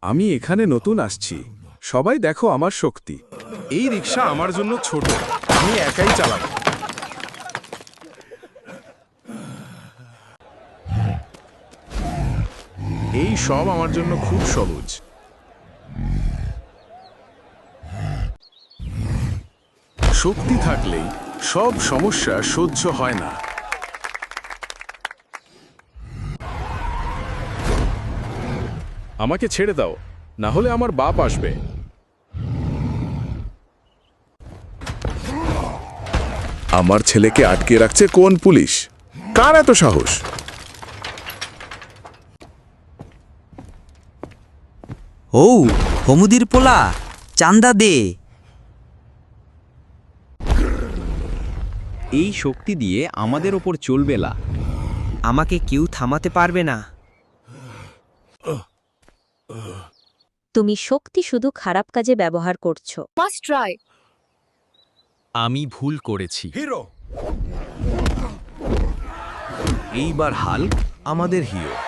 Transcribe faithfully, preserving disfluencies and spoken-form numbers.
আমি এখানে নতুন আসছি, সবাই দেখো আমার শক্তি। এই রিক্সা আমার জন্য ছোট, আমি একাই চালাবো। এই সব আমার জন্য খুব সহজ। শক্তি থাকলেই সব সমস্যা সহ্য হয় না। আমাকে ছেড়ে দাও, না হলে আমার বাপ আসবে। আমার ছেলেকে আটকে রাখছে কোন পুলিশ? কার এত সাহস? ও হমুদির পোলা, চান্দা দে। এই শক্তি দিয়ে আমাদের ওপর চলবে না। আমাকে কেউ থামাতে পারবে না। তুমি শক্তি শুধু খারাপ কাজে ব্যবহার করছো। Must try. আমি ভুল করেছি। হিরো এইবার হাল্ক আমাদের হিরো।